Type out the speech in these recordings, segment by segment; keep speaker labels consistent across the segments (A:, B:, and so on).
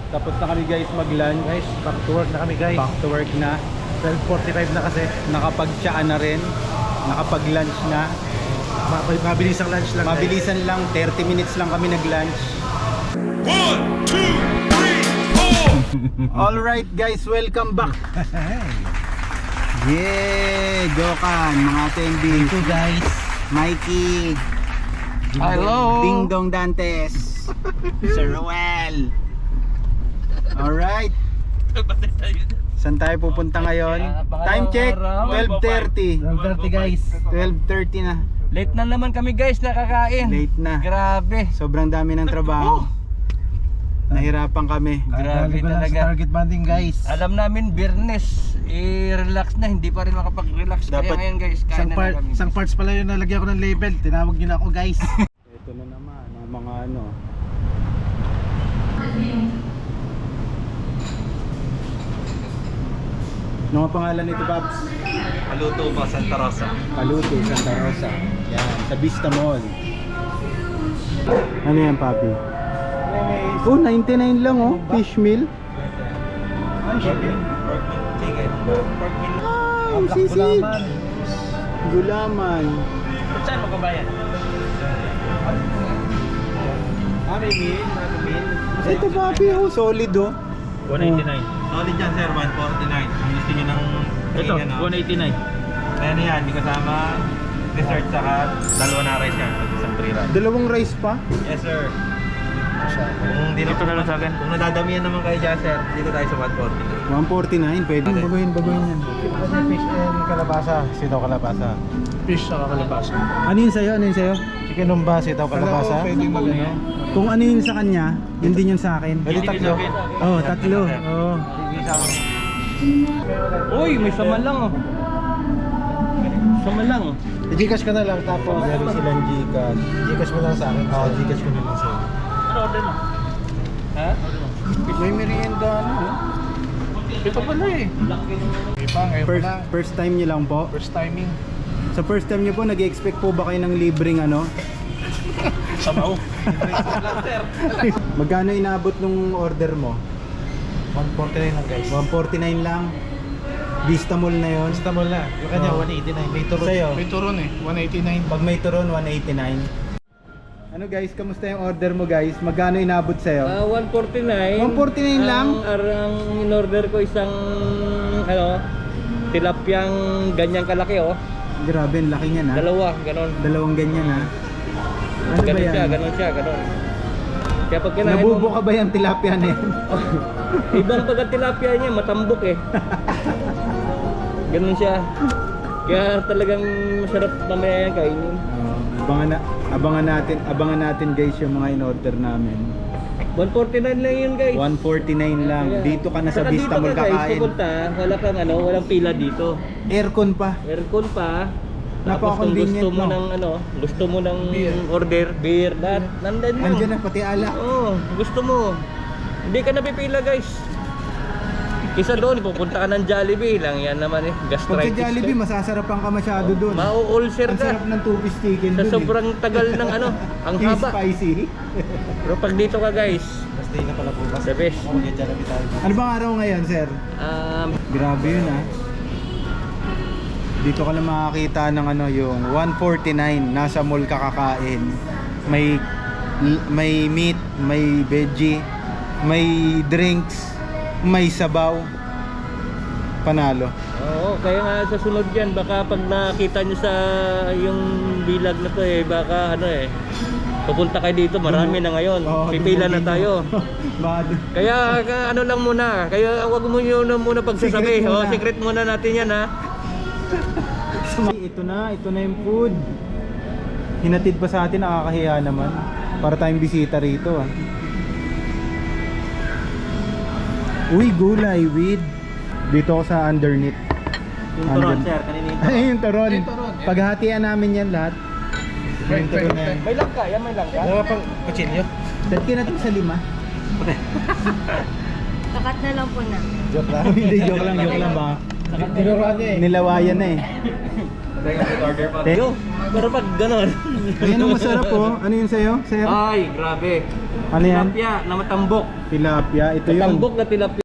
A: Tapos na kami guys mag-lunch.
B: Guys, back to work na kami guys.
A: Back to work na.
B: 12:45 na kasi.
A: Nakapag-tsaan na rin. Nakapag-lunch na.
B: Mabilis ang lunch lang.
A: Mabilisan lang, 30 minutes lang kami nag-lunch.
C: 1, 2, 3, 4.
A: Alright guys, welcome back. Yeah, Jokan, mga attendees.
B: Ito guys.
A: Mikey.
B: Hello.
A: Ding Dong Dantes. Sir Ruel. Alright. Saan tayo pupunta ngayon? Time check, 12:30.
B: 12:30 guys.
A: 12:30 na.
D: Late na naman kami guys, nakakain.
A: Late na.
D: Grabe.
A: Sobrang dami ng trabaho. Nahirapan kami.
D: Grabe
B: Galing ko lang sa
D: talaga.
B: target banding guys.
D: Alam namin, Biyernes, relax na, hindi pa rin makapag-relax. Kaya
A: Dapat
D: ngayon guys, kain na lang kami.
B: Isang parts pala yung nalagyan ko ng label. Tinawag niyo na ako guys.
A: Ito na naman ang mga ano. Ano ang pangalan nito, Babs?
D: Paluto pa, Santa Rosa.
A: Paluto, Santa Rosa. Yan, sa Vista Mall. Ano yan, Papi? Oh, 99 lang oh, fish meal.
D: Chicken.
A: Ay, sisig. Gulaman.
D: Saan mo kabayan?
B: May meal.
A: Ito, Papi, oh, solid oh.
D: 189.
E: Solid dyan sir, 149. Kung gusto nyo ng
D: Ito,
E: ano,
D: 189.
E: ano yan, may kasama dessert saka dalawa na rice yan, at isang free rice.
A: Dalawang rice pa.
E: Yes sir. Kung di
D: Ito na lang sa akin.
E: Kung nadadamihan naman kayo dyan sir, dito tayo sa 149.
A: 149, pwede. Baguhin yan.
B: Fish and kalabasa. Sitaw kalabasa. Fish saka kalabasa.
A: Ano yun sa'yo? Ano yun sa'yo?
B: Chicken umba, sitaw kalabasa.
D: Pwedeng mag-ano.
A: Kung ano yun sa kanya, yun din yun sa akin.
B: Pwede tatlo.
A: Oh, tatlo. Oh.
D: Uy, may sama lang oh. Sama lang.
B: I-Gcash ka na lang tapos.
A: Meron silang Gcash.
B: Gcash mo lang sa akin.
A: Oh, Gcash ko na lang sa'yo.
D: Ano order mo? Ha?
A: May merienda ano?
B: Ito pala eh. Iba ngayon pala.
A: First time niyo lang po?
B: First timing.
A: Sa first time niyo po, nag-expect po ba kayo ng libreng ano?
B: Sabaw.
A: Magkano inabot nung order mo?
B: 149 lang guys.
A: 149 lang. Vista Mall na yon.
B: Basta mo na. Yung kanya
A: Oh.
B: 189. May turon.
A: Sa'yo?
B: May turon eh. 189.
A: Pag may turon, 189. Ano guys, kamusta yung order mo guys? Magkano inabot sa'yo?
D: 149.
A: 149 lang?
D: Ang in-order ko isang tilapyang ganyang kalaki oh.
A: Grabe, ang laki niya na.
D: Dalawa, ganon.
A: Dalawang ganyan ha. Ano ba
D: Ganon
A: yan?
D: siya, ganon. Kaya pag kinain
A: Nabubo
D: mo,
A: ka ba yung tilapia na yan?
D: ibang pagka-tilapia niya, matambok eh. Ganon siya. Kaya talagang masarap mamaya yan kainin.
A: Abangan natin guys yung mga in-order namin.
D: 149 lang yun guys.
A: 149 lang.
D: Kaya-
A: Dito ka na sa
D: Saka
A: Vista
D: dito
A: Mall
D: ka, guys,
A: kakain.
D: pupunta, wala kang walang pila dito.
A: Aircon pa.
D: Aircon pa. Tapos kung
A: Napaka-convenient,
D: gusto mo
A: no?
D: ng gusto mo ng order, beer, nandun yun.
A: Andiyan na pati alak.
D: Oo, gusto mo. Hindi ka napipila guys. Kisa doon, pupunta ka ng Jollibee lang yan naman eh.
A: Pag sa
D: Gastritis
A: Jollibee,
D: ka.
A: masasarapan ka masyado doon.
D: Mau-ulcer
A: Ang
D: ka.
A: sarap ng two-piece chicken
D: Sa
A: doon
D: sobrang tagal ng ang
A: eh.
D: haba.
A: Spicy.
D: Pero pag dito ka guys,
B: Basta na pala bukas.
D: the best.
B: Mag-Jollibee tayo.
A: Ano bang araw ngayon, sir? Grabe yun ah. Dito ka lang makakita ng yung 149 nasa mall ka kakain. May meat, may veggie, may drinks, may sabaw. Panalo.
D: Oo, kaya nga sa sunod yan, baka pag nakita nyo sa yung bilag na to baka pupunta kayo dito, marami na ngayon.
A: Oo,
D: Pipila na
A: dumugin
D: tayo.
A: mo. Baka
D: Kaya lang muna, kaya wag mo yun muna pagsasabi.
A: Secret muna.
D: Secret muna natin yan ha.
A: ito na yung food. Hinatid pa sa atin, nakakahiya naman. Para tayong bisita rito ah. Uy, gulay with. Dito ako sa underneath.
D: Yung turon sir, kanina yung
A: Ay, yung turon.
B: Yung turon, yan.
A: Paghatian namin yan lahat. Yung turon na yan.
D: May langka, yan may langka.
B: Wala pang kutsilyo.
A: Dati natin sa 5.
F: Sakat na lang po na.
B: Joke lang.
A: Hindi, joke lang ba?
B: Tinuruan niya eh.
A: Nilawayan na eh.
E: Second order pa.
D: Yo, pero pag ganon.
A: Ayan ang masarap po. Ano yun sa'yo? Sir?
D: Ay, grabe.
A: Ano yan?
D: Tilapia na matambok.
A: Tilapia. Ito yun.
D: Matambok na tilapia.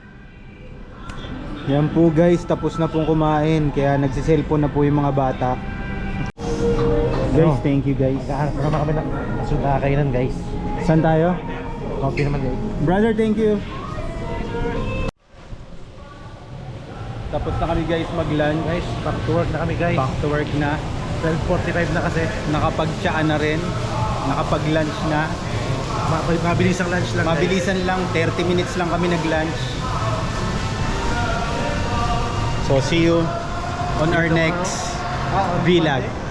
A: Yan po guys, tapos na pong kumain. Kaya nagsiselfone na po yung mga bata. Guys, thank you guys.
B: Naghahanap naman kami ng nakakainan guys.
A: Saan tayo?
B: Coffee naman guys.
A: Brother, thank you. Tapos na kami guys mag-lunch.
B: Guys, back to work na kami guys.
A: Back to work na.
B: 12:45 na kasi.
A: Nakapag-tsaan na rin. Nakapag-lunch na.
B: Mabilis ang lunch lang. guys.
A: Mabilisan lang, 30 minutes lang kami nag-lunch. So see you on our next vlog.